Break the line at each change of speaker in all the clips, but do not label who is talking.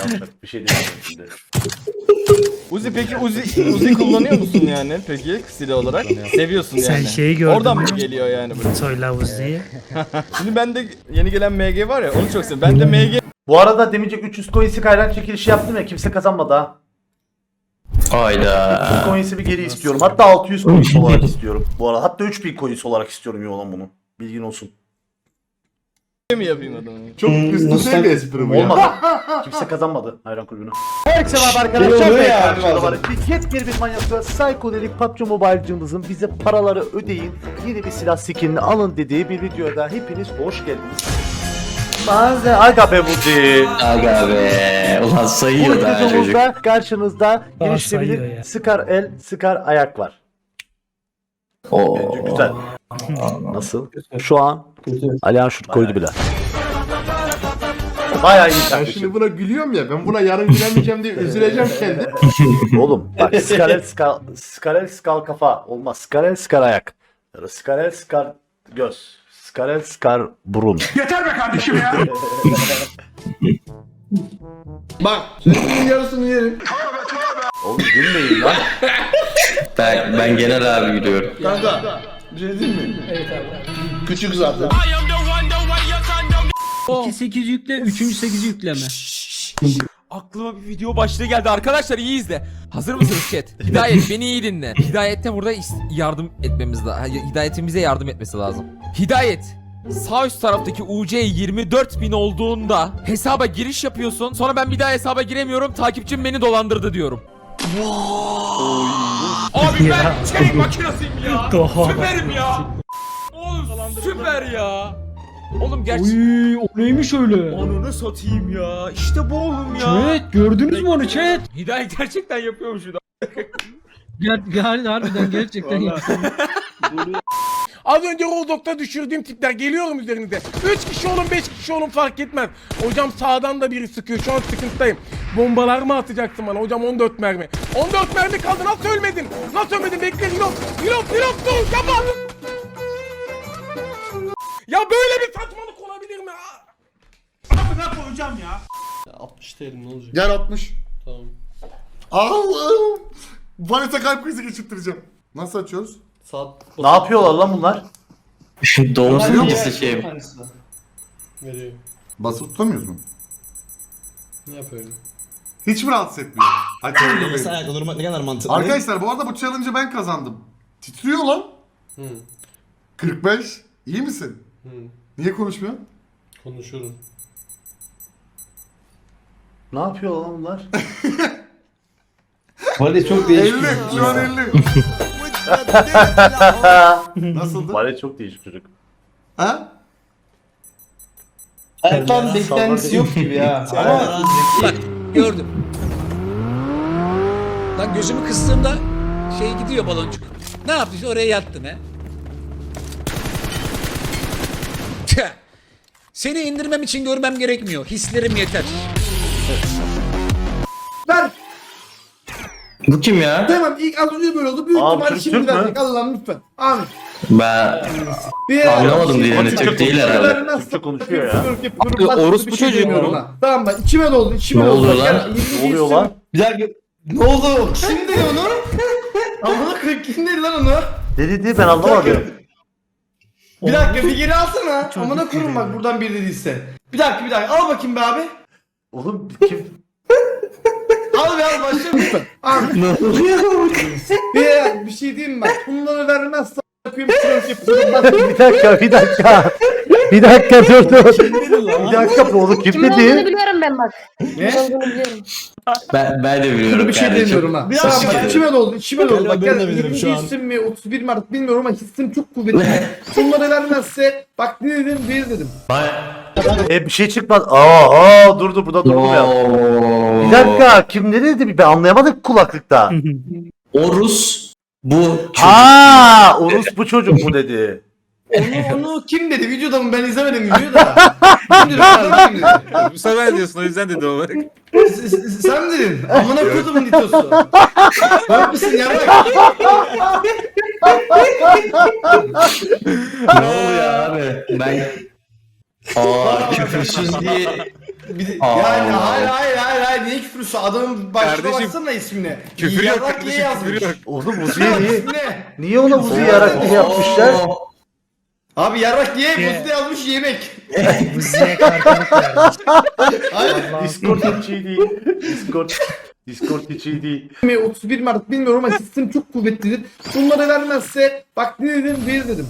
Ahmet. Bir şey diyeceğim şimdi.
Uzi peki Uzi kullanıyor musun yani peki silah olarak? Seviyorsun yani.
Sen şeyi gördün
Oradan
mü?
mı geliyor yani bu?
Soyla Uzi'yi.
Şimdi bende yeni gelen MG var ya onu çok seviyorum. Ben de MG
Bu arada demeyecek 300 coins'i kaynak çekilişi yaptım ya kimse kazanmadı ha.
Hayda.
300 coins'i bir geri istiyorum. Hatta 600 coins olarak istiyorum. Bu arada hatta 3000 coins olarak istiyorum ya olan bunu. Bilgin olsun.
mi yapayım adamı?
Çok üst düzey bir espri bu ya.
Olmadı. Kimse kazanmadı hayran kulübünü. Herkese merhaba arkadaşlar. Yepyeni bir manyakla psikodelik PUBG Mobile'cımızın bize paraları ödeyin, yeni bir silah skinini alın dediği bir videoda hepiniz hoş geldiniz. Aga be Buzi.
Aga be. Ulan
Bu
sayıyor da çocuk.
videomuzda karşınızda
sayıyor
gelişebilir
ya.
sıkar el, sıkar ayak var.
Oo.
Bence güzel. Nasıl? Şu an Alihan şut koydu bile. Bayağı iyi
Ben
taktik.
şimdi buna gülüyorum ya. Ben buna yarın gülemeyeceğim diye üzüleceğim kendim.
Oğlum bak skarel skal kafa olmaz. Skarel skar ayak. Ya da skarel skar göz. Skarel skar burun.
Yeter be kardeşim ya. Bak, senin yarısını yerim.
Oğlum gülmeyin lan.
Ben genel abi gidiyorum.
Kanka, bir şey diyeyim mi? Evet abi. Küçük zaten.
2-8 yükle, 3. 8'i yükleme.
Aklıma bir video başlığı geldi arkadaşlar, iyi izle. Hazır mısınız chat? Hidayet beni iyi dinle. Hidayet'te burada yardım etmemiz lazım. Hidayet'imize yardım etmesi lazım. Hidayet, sağ üst taraftaki UC 24.000 olduğunda hesaba giriş yapıyorsun. Sonra ben bir daha hesaba giremiyorum. Takipçim beni dolandırdı diyorum. Abi ben şey makinasıyım ya. Süperim ya. Oğlum süper ya. Oğlum gerçekten.
Uy, o neymiş öyle?
Ananı satayım ya. İşte bu oğlum ya.
Chat gördünüz mü onu chat?
Hidayet gerçekten yapıyormuş bir
Harbiden gerçekten yaptım.
Az önce Rozdok'ta düşürdüğüm tipler geliyorum üzerinize. 3 kişi olun 5 kişi olun fark etmez. Hocam sağdan da biri sıkıyor, şu an sıkıntıdayım. Bombalar mı atacaksın bana hocam? 14 mermi. 14 mermi kaldı, nasıl ölmedin? Nasıl ölmedin? Bekle reload. Reload dur kapat. Ya böyle bir saçmalık olabilir mi? Amına koyacağım ya.
60 değilim ne olacak?
Gel 60.
Tamam.
Allah'ım. Vanessa kalp krizi geçirttireceğim. Nasıl açıyoruz?
Saat
Ne yapıyorlar lan bunlar?
Doğum satıcısı şey.
veriyor.
Basıp tutamıyoruz mu?
Ne yapıyorum?
Hiç mi rahatsız etmiyor? Açalım
Mesela ne kadar mantıklı.
Arkadaşlar bu arada bu challenge'ı ben kazandım. Titriyor lan.
Hı.
45. İyi misin?
Hı.
Niye konuşmuyorsun?
Konuşurum.
Ne yapıyorlar lan bunlar?
Vali çok
50. Şu an 50. Nasıldı?
Bari çok değişik çocuk.
Ha?
Ertan beklentisi yok gibi ya. Ama
Bak gördüm. Lan gözümü kıstığımda şey gidiyor baloncuk. Ne yaptın? Oraya yattın he. Tüh. Seni indirmem için görmem gerekmiyor. Hislerim yeter.
Ver.
Bu kim ya?
Tamam ilk az önce böyle oldu. Büyük
Abi,
ihtimalle
Türk
şimdi
mü?
verecek. Allah'ım lütfen. Abi.
Ben anlamadım dilini. Türk değil herhalde.
Türkçe konuşuyor ya.
orospu çocuğu mu?
Tamam bak içime doldu. İçime
Ne
doldu.
oluyor
Bak,
lan?
gel,
Ne oluyor lan?
bir dakika. Ne oldu? Kim dedi onu? Amına koyayım kim dedi lan onu?
Ne dedi ben anlamadım.
Bir dakika bir geri alsana. Amına koyayım bak buradan bir dediyse. Bir dakika al bakayım be abi.
Oğlum kim?
Al be al başla lütfen.
Abi.
Ne oluyor?
Bir şey diyeyim mi? Bak bunları vermezsen yapayım sırf yapıyorum. Bak
Bir dakika dur. Bir dakika bu oğlum kim
Kimin olduğunu
dedi?
biliyorum ben bak.
Ne?
Kimin olduğunu biliyorum.
Ben de biliyorum.
Şunu bir şey
kardeşim.
demiyorum ha.
Bir
Tamam
dakika.
bak içime doldu. İçime doldu. Bak
Ben de
gel
bilirim
20
şu an.
isim mi 31 mi artık bilmiyorum ama hissim çok kuvvetli. Bunları vermezse bak ne dedim bir dedim.
Bir şey çıkmaz. Dur burada durmuyor.
Oo.
Bir dakika kim ne dedi? Ben anlayamadım kulaklıkta.
O Rus. Bu çocuk.
Orospu çocuk mu dedi?
Onu kim dedi? Videoda mı? Ben izlemedim videoyu da. Kim dedi? Adam kim dedi?
Bu sefer diyorsun, o yüzden dedi o.
Sen mi dedin? Amına kodumun ditosu. Bak mısın ya bak.
Ne oluyor abi? Küfürsüz diye.
Yani hayır küfrüsü? Adamın başına
Kardeşim,
baksana ismine.
Küfür yok
Yarrak
kardeşim,
ye yazmış.
küfür yok.
Oğlum Uzi'ye niye?
Ne?
Niye ona Uzi yarak diye yapmışlar?
Abi yarrak ye, buzda yazmış yemek.
Buzi'ye kartılık vermiş.
Discord hiç iyi değil. Discord hiç iyi değil.
31 Mart bilmiyorum ama hissim çok kuvvetlidir. Bunları vermezse bak ne dedim bir dedim.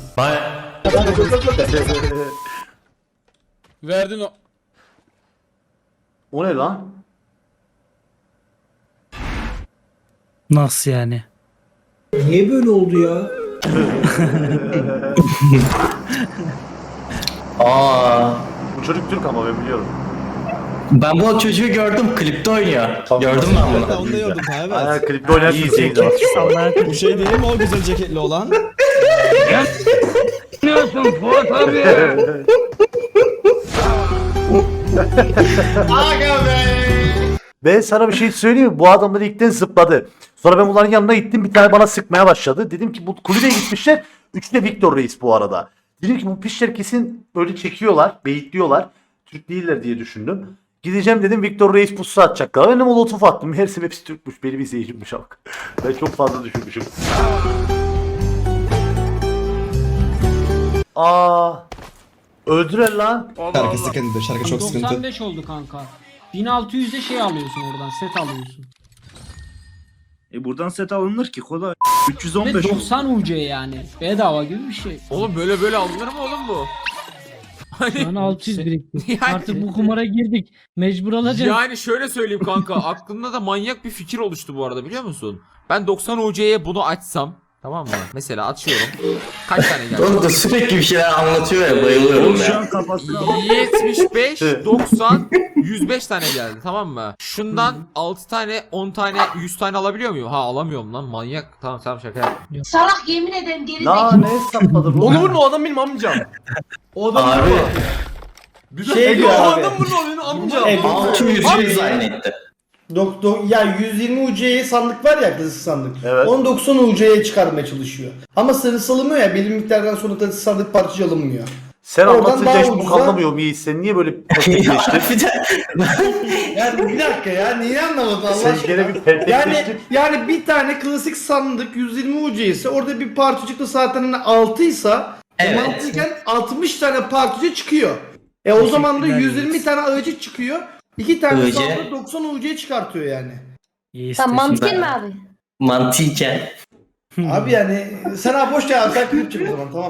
Verdin o.
O ne lan?
Nasıl yani?
Niye böyle oldu ya?
Aa.
Bu çocuk Türk ama ben biliyorum.
Ben bu çocuğu gördüm. Klipte oynuyor. Gördüm ben bunu.
Onu da gördüm abi.
Aynen klipte oynayan Türkiye'ydi var.
Bu şey değil mi o güzel ceketli olan?
Aga be.
Ben sana bir şey söyleyeyim mi? Bu adamlar ilkten zıpladı. Sonra ben bunların yanına gittim. Bir tane bana sıkmaya başladı. Dedim ki bu kulübeye gitmişler. Üçü de Victor Reis bu arada. Dedim ki bu pişler kesin böyle çekiyorlar. Beyitliyorlar. Türk değiller diye düşündüm. Gideceğim dedim Victor Reis pusu atacaklar. Ben de molotof attım. Meğersem hepsi Türkmüş. Benim izleyicimmiş ama. Ben çok fazla düşünmüşüm. Aa, öldürer lan.
Şarkı sıkıntı, şarkı çok sıkıntı.
95 oldu kanka. 1600'de şey alıyorsun oradan, set alıyorsun.
Buradan set alınır ki kolay.
Ve
315 oldu.
90 UC yani. Bedava gibi bir şey.
Oğlum böyle alınır mı oğlum bu?
Şu an 600 birikti.
Yani-
Artık bu kumara girdik. Mecbur alacağız.
Yani şöyle söyleyeyim kanka, aklımda da manyak bir fikir oluştu bu arada, biliyor musun? Ben 90 UC'ye bunu açsam, tamam mı? Mesela açıyorum. Kaç tane geldi?
Oğlum da sürekli bir şeyler anlatıyor ya, bayılıyorum
Şu
ya.
an kafasına
75, 90, 105 tane geldi, tamam mı? Şundan 6 tane, 10 tane, 100 tane alabiliyor muyum? Ha, alamıyorum lan, manyak. Tamam şaka yaptım.
Salak yemin ederim geri
La ne hesapladın?
Onu vurma, o adam benim amcam.
O adam
Abi.
şey diyor
O
abi.
adam vurma, o benim amcam.
600 zannetti.
Ya 120 UC'ye sandık var ya, klasik sandık.
Evet.
Onu 90 UC'ye çıkarmaya çalışıyor. Ama sarısı alınmıyor ya, belli miktardan sonra da sandık parçacı alınmıyor.
Sen
Oradan
anlatınca
daha
hiç bu
ucuza-
anlamıyorum iyi. Sen niye böyle pertekleştin?
Bir de
Yani bir dakika ya, niye anlamadın Allah
Sen
aşkına?
gene bir pertekleştin.
Yani bir tane klasik sandık 120 UC ise orada bir parçacık da zaten hani 6 ise
Evet.
mantıken 60 tane parçacı çıkıyor. O zaman da 120 tane ağacı çıkıyor. 2 tane
Ağacı.
sandık 90 UC çıkartıyor yani.
Sen mantıken mi abi?
mantıken.
Abi yani sen abi boş ver abi, sen klip çek o zaman, tamam.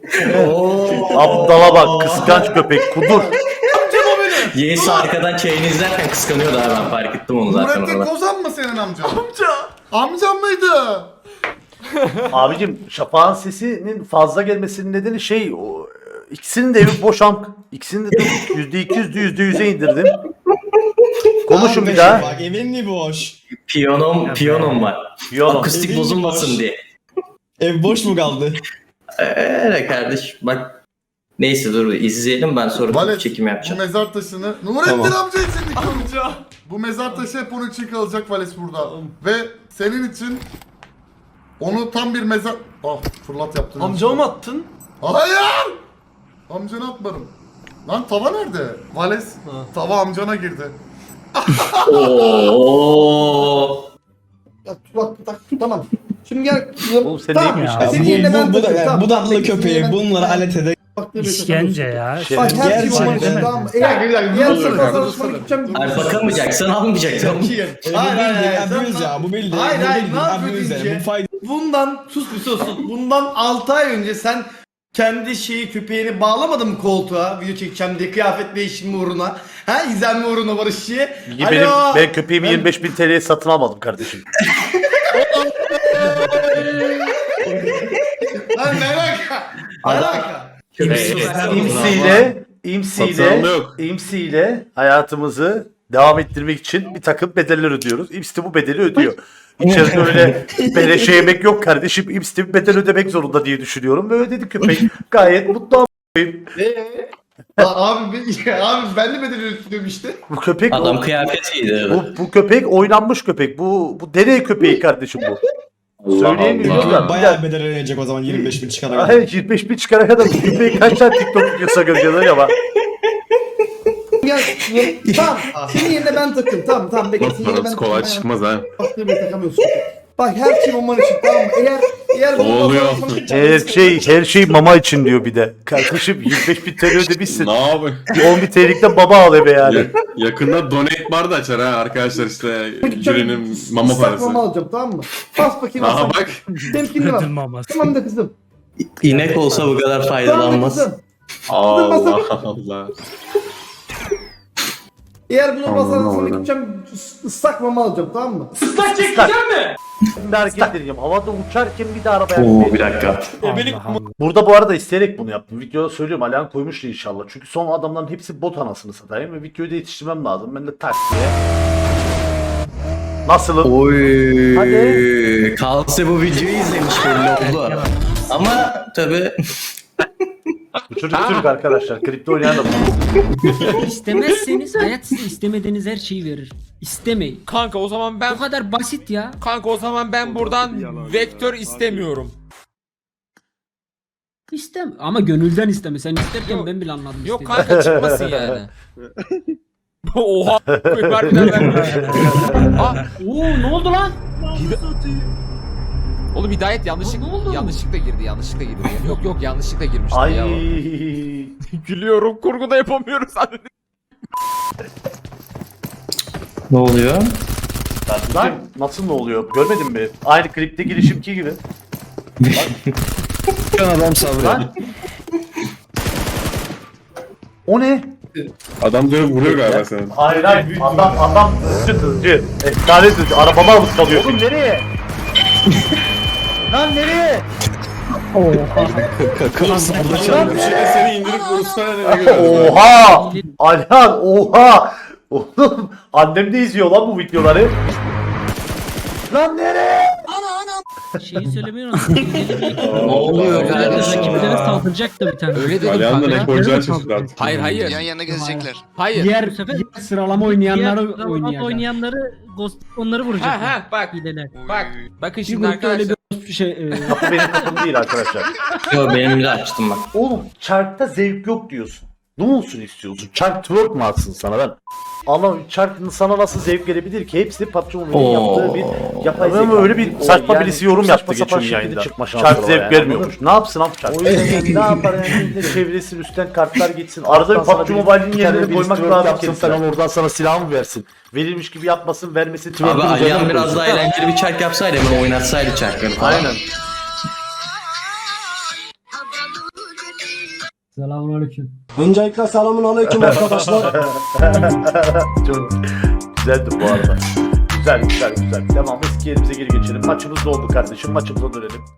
Aptala bak, kıskanç köpek, kudur.
Yeğis arkadan çayını izlerken kıskanıyordu abi, ben fark ettim onu zaten orada.
Kozan mı senin amcan? Amcam mıydı?
Abicim Şafak'ın sesinin fazla gelmesinin nedeni şey, o, ikisinin de evi boş İkisini de %200'dü %100'e indirdim. Konuşun bir daha.
Bak evin mi boş?
Piyonom var.
Piyano.
Akustik
Evin
bozulmasın
boş.
diye.
Ev boş mu kaldı?
Öyle kardeş bak. Neyse dur izleyelim, ben sonra çekim yapacağım.
mezar taşını Nurettin
Tamam.
amca için amca. Bu mezar taşı hep onun için kalacak Vales burada. Ve senin için onu tam bir mezar... Ah fırlat yaptın.
Amcama mı attın?
Hayır! Amcana atmadım. Lan tava nerede? Vales tava amcana girdi.
Oo.
Ya, bak tamam. Şimdi gel.
Oğlum sen
Tamam.
neymiş
ya?
ya?
Senin yerine ben
Bu
takayım, tamam.
budaklı
Senin
köpeği
yerine ben-
bunları alet ede.
İşkence ya.
Bak her şey
Gerçekten.
olmak için, tamam mı? Eğer diğer sefer çalışmaya gideceğim.
Ay bakamayacaksan almayacaksın.
Hayır,
Abuse ya bu bildi.
Hayır,
bu
hayır,
bildi,
ne yapıyor
abuse.
deyince?
Bu fayda.
Bundan sus bir sus. Bundan 6 ay önce sen kendi köpeğini bağlamadın mı koltuğa? Video çekeceğim diye, kıyafet değişimi uğruna. Ha, izlenme uğruna Barışçı'ya.
Ben köpeğimi 25.000 TL'ye satın almadım kardeşim.
Lan ne alaka? Ne alaka?
İmsi'yle hayatımızı devam ettirmek için bir takım bedeller ödüyoruz. İMS de bu bedeli ödüyor. İçeride öyle beleşe yemek yok kardeşim. İMS de bir bedel ödemek zorunda diye düşünüyorum. Ve ödedi köpek. Gayet mutlu a**ayım.
Abi ben de bedel ödüyorum işte.
Bu köpek
Adam kıyafetiydi.
bu köpek oynanmış köpek. Bu deney köpeği kardeşim bu. Söyleyemiyorum da.
Bayağı bedel ödenecek o zaman 25.000 çıkana kadar.
Hayır 25.000 çıkana kadar bu köpeği kaç tane TikTok videosu göreceğiz acaba?
gel. Tamam. Senin yerine ben takayım. Tamam bekle. Senin yerine ben
kolay çıkmaz ha.
Baktığım yere takamıyorsun. Bak her şey bomban için tamam mı? Eğer
Her şey mama için diyor bir de. Kardeşim 25.000 TL ödemişsin.
Ne yapayım?
10.000 TL'likten baba al eve yani.
Yakında donate bar da açar ha arkadaşlar işte Cüre'nin mama
ıslak
parası.
mama alacağım tamam mı? Bas bakayım.
Aha
ıslak.
bak.
Temkinli var. Tamam da kızım.
İnek olsa bu kadar
Tamam da
faydalanmaz.
kızım.
Allah Allah.
Eğer bunu basarsan sonra gideceğim ıslak mama alacağım tamam mı?
Bir hareket edeceğim. Havada uçarken bir de arabaya
Oo bir dakika.
Burada bu arada isteyerek bunu yaptım. Videoda söylüyorum Alihan koymuştu inşallah. Çünkü son adamların hepsi bot anasını satayım ve videoyu da yetiştirmem lazım. Ben de tak diye. Nasılım?
Oy.
Hadi.
Kalse bu videoyu izlemiş belli oldu. Ama tabi
Bu çocuk Türk arkadaşlar. Kripto oynayan da bu.
İstemezseniz hayat size istemediğiniz her şeyi verir. İstemeyin.
Kanka o zaman ben
Bu kadar basit ya.
Kanka o zaman ben buradan vektör istemiyorum.
İstem ama gönülden isteme. Sen isterken ben bile anladım.
Yok
istediğini.
kanka çıkmasın yani. Oha. Harbiden ben.
Oo ne oldu lan?
Oğlum Hidayet
Ne oldu?
yanlışlıkla girdi. Yok yanlışlıkla girmişti
Ay.
ya. Gülüyorum. Kurguda yapamıyoruz.
ne oluyor?
Lan nasıl ne oluyor? Görmedin mi? Aynı klipte girişimki gibi.
Adam sabrı.
Lan. O ne?
Adam dönüp vuruyor galiba seni.
Hayır adam hızcı. Efsane hızcı. Arabama alıp kalıyor. Oğlum nereye? Lan nereye?
Seni indirip vursana nereye götürüyor?
Oha! Alihan oha! Oğlum annem de izliyor lan bu videoları. Lan nereye?
Şeyi söylemeyi unuttum.
Ne oluyor
Rakiplere saldıracak da bir tane.
Öyle dedim
Alihan da ne
kanka.
koyacağı şaşırdı artık.
Hayır.
yana gezecekler.
Hayır.
Diğer sıralama oynayanları oynayacak.
Onları
Ha bak. Bak. Bakın şimdi
Şimdi öyle
arkadaşlar.
bir şey.
Kapı benim kapım değil arkadaşlar.
Yo benim de açtım bak.
Oğlum çarkta zevk yok diyorsun. Ne olsun istiyorsun? Çark twerk mı atsın sana ben? Allah çarkın sana nasıl zevk gelebilir ki? Hepsi PUBG Mobile'in yaptığı bir yapay zeka. Öyle bir saçma birisi yorum yaptı geçen yayında. Çark zevk vermiyormuş. Ne yapsın abi çark? O yüzden ne yapar yani? Bir de çevresin üstten kartlar gitsin. Arada bir PUBG Mobile'in yerine koymak lazım. Falan oradan sana silah mı versin? Verilmiş gibi yapmasın, vermesin.
Abi Alihan biraz daha eğlenceli bir çark yapsaydı hemen oynatsaydı çarkları falan.
Aynen.
Selamünaleyküm.
Öncelikle selamun aleyküm arkadaşlar.
Çok güzeldi bu arada. Güzel. Devam eski yerimize geri geçelim. Maçımız da oldu kardeşim. Maçımıza dönelim.